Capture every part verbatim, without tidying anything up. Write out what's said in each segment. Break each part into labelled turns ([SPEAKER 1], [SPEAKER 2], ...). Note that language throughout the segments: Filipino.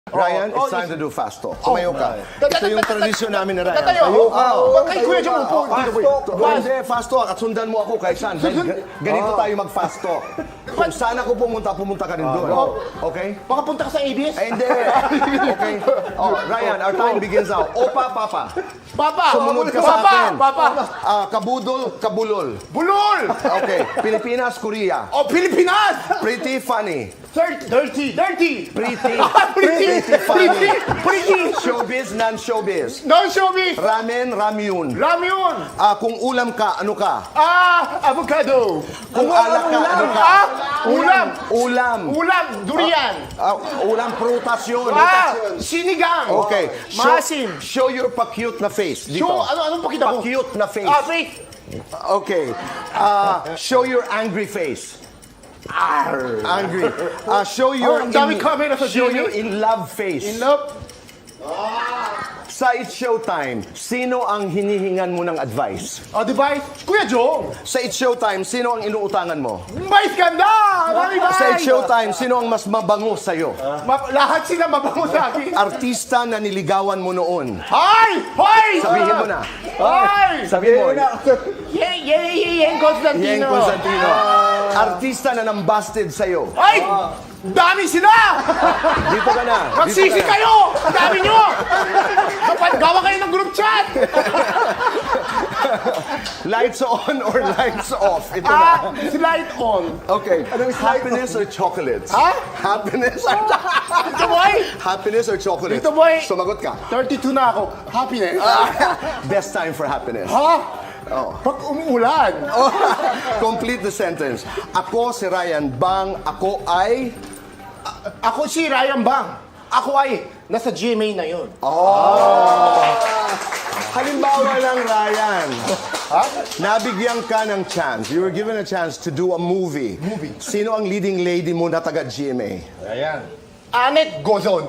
[SPEAKER 1] Ryan,
[SPEAKER 2] Oh,
[SPEAKER 1] it's
[SPEAKER 2] oh,
[SPEAKER 1] time
[SPEAKER 2] yes.
[SPEAKER 1] to do fast talk. Tumayo ka. Ito yung tradisyon namin ni Ryan.
[SPEAKER 2] Tatayo.
[SPEAKER 1] Tayo ka.
[SPEAKER 2] Huwag kay Kuya Jong upo.
[SPEAKER 1] Fast talk. Hindi, fast talk. At sundan mo ako kahit saan. Dahil ga- Ganito tayo mag-fast talk. Kung saan ako pumunta, pumunta ka rin doon. Okay?
[SPEAKER 2] Baka punta ka sa A B S.
[SPEAKER 1] Eh, hindi. Okay? Oh, Ryan, our time begins now. Opa, papa.
[SPEAKER 2] Papa!
[SPEAKER 1] Sumunod ka sa
[SPEAKER 2] Papa!
[SPEAKER 1] akin.
[SPEAKER 2] Papa!
[SPEAKER 1] Ah, kabudol, kabulol.
[SPEAKER 2] Bulol!
[SPEAKER 1] Okay. Pilipinas, Korea.
[SPEAKER 2] Oh, Pilipinas!
[SPEAKER 1] Pretty funny.
[SPEAKER 2] Thirty. Dirty! Dirty!
[SPEAKER 1] Pretty.
[SPEAKER 2] Pretty!
[SPEAKER 1] Pretty funny.
[SPEAKER 2] Pretty! Pretty!
[SPEAKER 1] Showbiz, non-showbiz.
[SPEAKER 2] Non-showbiz!
[SPEAKER 1] Ramen, ramyun.
[SPEAKER 2] Ramyun!
[SPEAKER 1] Ah, kung ulam ka, ano ka?
[SPEAKER 2] Ah! Avocado!
[SPEAKER 1] Kung alak ka, ano ka?
[SPEAKER 2] Ah! Ulam!
[SPEAKER 1] Ulam.
[SPEAKER 2] Ulam! Durian!
[SPEAKER 1] Ah, ulam, prutas yun.
[SPEAKER 2] Ah! Sinigang!
[SPEAKER 1] Okay. Show,
[SPEAKER 2] Maasim!
[SPEAKER 1] show your pa-cute na face. Dito.
[SPEAKER 2] Show, ano, anong pakita ko?
[SPEAKER 1] Pa-cute na face.
[SPEAKER 2] Ah, fake!
[SPEAKER 1] Okay. Ah, show your angry face. Angry. Ah, show your
[SPEAKER 2] Oh, ang dami camera sa
[SPEAKER 1] show
[SPEAKER 2] G M A.
[SPEAKER 1] your in love face.
[SPEAKER 2] In love?
[SPEAKER 1] Sa It's Showtime, sino ang hinihingan mo ng advice?
[SPEAKER 2] Oh, device? Kuya Jong!
[SPEAKER 1] Sa It's Showtime, sino ang inuutangan mo?
[SPEAKER 2] Vice ganda! Mami Vice!
[SPEAKER 1] Sa It's Showtime, sino ang mas mabango sa'yo?
[SPEAKER 2] Ma- lahat sila mabango sa akin.
[SPEAKER 1] Artista na niligawan mo noon.
[SPEAKER 2] Hoy! Hoy!
[SPEAKER 1] Sabihin mo na.
[SPEAKER 2] Hoy!
[SPEAKER 1] Sabihin mo.
[SPEAKER 2] Yay, yay, yay, yay, Constantino!
[SPEAKER 1] Yeng Constantino. Artista na nambasted sa'yo.
[SPEAKER 2] Ay! Dami sila!
[SPEAKER 1] Dito ka na. Dito
[SPEAKER 2] Magsisi
[SPEAKER 1] ka na.
[SPEAKER 2] kayo! Ang dami nyo! Dapat gawa kayo ng group chat!
[SPEAKER 1] Lights on or lights off? Ito
[SPEAKER 2] Ah,
[SPEAKER 1] na.
[SPEAKER 2] slide on.
[SPEAKER 1] Okay. Happiness or chocolates?
[SPEAKER 2] Ha?
[SPEAKER 1] Happiness or
[SPEAKER 2] Dito boy!
[SPEAKER 1] Happiness or chocolates?
[SPEAKER 2] Dito, boy.
[SPEAKER 1] Sumagot ka.
[SPEAKER 2] thirty-two na ako. Happiness.
[SPEAKER 1] Best time for happiness.
[SPEAKER 2] Ha?
[SPEAKER 1] Oh.
[SPEAKER 2] Pag umuulan.
[SPEAKER 1] Complete the sentence. Ako si Ryan Bang. Ako ay...
[SPEAKER 2] Ako si Ryan Bang. Ako ay nasa G M A na yun.
[SPEAKER 1] Halimbawa lang, Ryan.
[SPEAKER 2] Ha?
[SPEAKER 1] Nabigyan ka ng chance. You were given a chance to do a movie.
[SPEAKER 2] Movie.
[SPEAKER 1] Sino ang leading lady mo na taga G M A?
[SPEAKER 2] Ayan. Anet Gozon.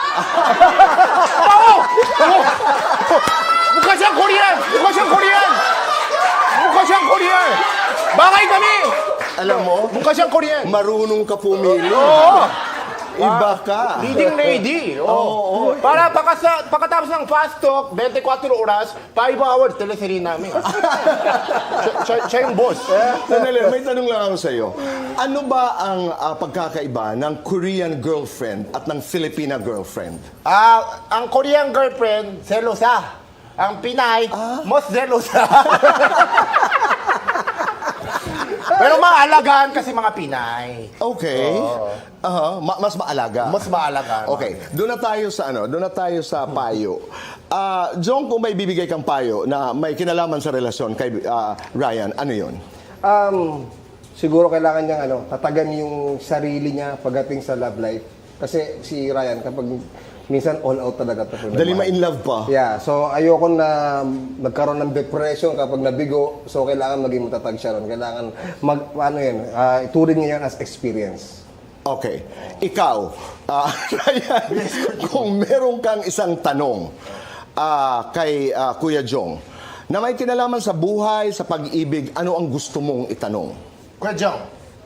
[SPEAKER 2] Oo! Oo! Mukha siyang Korean! Mukha siyang Korean! Mukha siyang Korean! Bakay kami!
[SPEAKER 1] Alam mo,
[SPEAKER 2] Mukha siyang Korean!
[SPEAKER 1] marunong ka pumili.
[SPEAKER 2] Oo!
[SPEAKER 1] Iba ka.
[SPEAKER 2] Leading lady. Oo. Para pagkasa, pagkatapos ng fast talk, twenty-four oras, five hours, teleserye namin. siya, siya, siya yung boss.
[SPEAKER 1] Sandali, may tanong lang ako sa'yo. Ano ba ang ah, pagkakaiba ng Korean girlfriend at ng Filipina girlfriend?
[SPEAKER 2] Ah, ang Korean girlfriend, selosa. Ang Pinay, most selosa. Pero maalagaan kasi mga Pinay.
[SPEAKER 1] Okay. Aha, ma- mas maalaga.
[SPEAKER 2] Mas maalagaan.
[SPEAKER 1] Okay, doon na tayo sa ano, doon na tayo sa payo. Ah, Jong, kung may bibigay kang payo na may kinalaman sa relasyon kay ah, Ryan, ano 'yon?
[SPEAKER 3] Um, siguro kailangan niyang ano, tatagan yung sarili niya pagdating sa love life. Kasi si Ryan, kapag minsan all out talaga ito.
[SPEAKER 1] Dali ma in love pa.
[SPEAKER 3] Yeah, so ayoko na nagkaroon ng depression kapag nabigo. So kailangan maging matatag siya ron. Kailangan mag, ano yun, uh, ituring niya yun as experience.
[SPEAKER 1] Okay. Ikaw, ah, Ryan, kung meron kang isang tanong ah, kay ah, Kuya Jong na may kinalaman sa buhay, sa pag-ibig, ano ang gusto mong itanong?
[SPEAKER 2] Kuya Jong.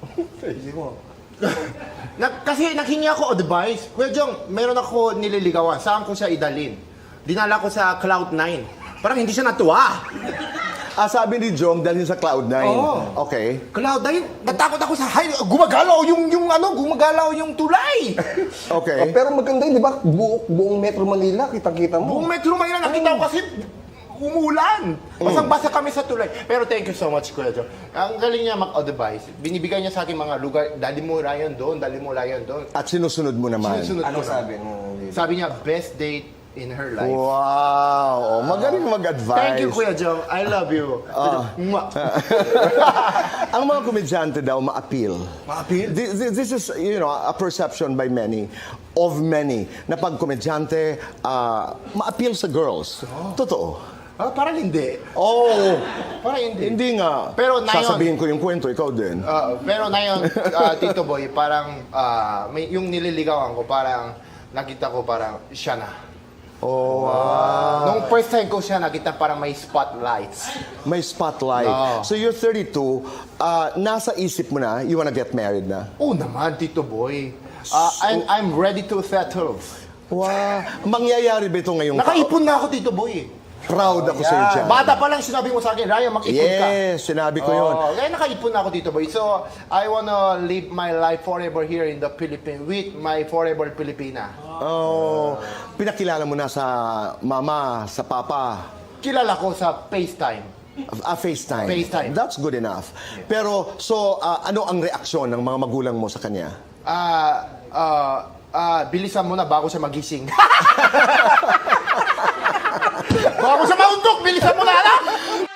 [SPEAKER 2] Nag, kasi naghingi ako advice. Kuya Jong, meron ako nililigawan. Saan ko siya idalin? Dinala ko sa Cloud nine. Parang hindi siya natuwa.
[SPEAKER 1] Ah, sabi ni Jong, dalhin sa Cloud nine.
[SPEAKER 2] Oo.
[SPEAKER 1] Okay.
[SPEAKER 2] Cloud nine, natakot ako sa high. Gumagalaw yung, yung ano, gumagalaw yung tulay.
[SPEAKER 1] Okay.
[SPEAKER 3] Oh, pero maganda yun, di ba? Buong, buong Metro Manila, kitang-kita mo.
[SPEAKER 2] Buong Metro Manila, nakita ko kasi umulan. Basang-basa kami sa tulay. Pero thank you so much, Kuya Jong. Ang galing niya mag-advise. Binibigay niya sa akin mga lugar. Dali mo Ryan doon, dali mo Ryan doon.
[SPEAKER 1] At sinusunod mo naman.
[SPEAKER 2] Sinusunod
[SPEAKER 3] Ano
[SPEAKER 2] ko na.
[SPEAKER 3] sabi mo?
[SPEAKER 2] Sabi niya, best date in her life.
[SPEAKER 1] Wow! Oh, magaling mag-advise.
[SPEAKER 2] Thank you, Kuya Jong. I love you. Mwah.
[SPEAKER 1] Ang mga komedyante daw ma-appeal.
[SPEAKER 2] Ma-appeal?
[SPEAKER 1] This, this is, you know, a perception by many, of many, na pag komedyante, ah, ma-appeal sa girls. Totoo.
[SPEAKER 2] Ah, parang hindi.
[SPEAKER 1] Oh,
[SPEAKER 2] Parang hindi.
[SPEAKER 1] hindi nga.
[SPEAKER 2] Pero na yun-
[SPEAKER 1] Sasabihin ko yung kwento, ikaw din.
[SPEAKER 2] Ah, pero na yun, ah, Tito Boy, parang ah, may, yung nililigawan ko, parang nakita ko parang siya na.
[SPEAKER 1] Oh, wow.
[SPEAKER 2] Nung first time ko siya nakita, parang may spotlights.
[SPEAKER 1] May spotlight.
[SPEAKER 2] No.
[SPEAKER 1] So you're thirty-two, ah, nasa isip mo na, you wanna get married na?
[SPEAKER 2] Oh naman, Tito Boy. Ah, I'm, I'm ready to settle.
[SPEAKER 1] Wow. Mangyayari ba ito ngayong
[SPEAKER 2] Nakaipon na ako, Tito Boy. eh.
[SPEAKER 1] Proud ako sa iyo dyan.
[SPEAKER 2] Bata pa lang sinabi mo sa akin, Ryan, mag-ipon ka.
[SPEAKER 1] Yes, sinabi ko yun.
[SPEAKER 2] Oh, kaya nakaipon na ako dito, boy. So, I wanna live my life forever here in the Philippines with my forever Filipina.
[SPEAKER 1] Oh, pinakilala mo na sa mama, sa papa,
[SPEAKER 2] Kilala ko sa FaceTime.
[SPEAKER 1] ah, FaceTime.
[SPEAKER 2] FaceTime.
[SPEAKER 1] That's good enough. Pero, so, ah, ano ang reaksyon ng mga magulang mo sa kanya?
[SPEAKER 2] Ah, ah, ah, bilisan mo na bago siya magising. bago siya mauntok, bilisan mo na, anak!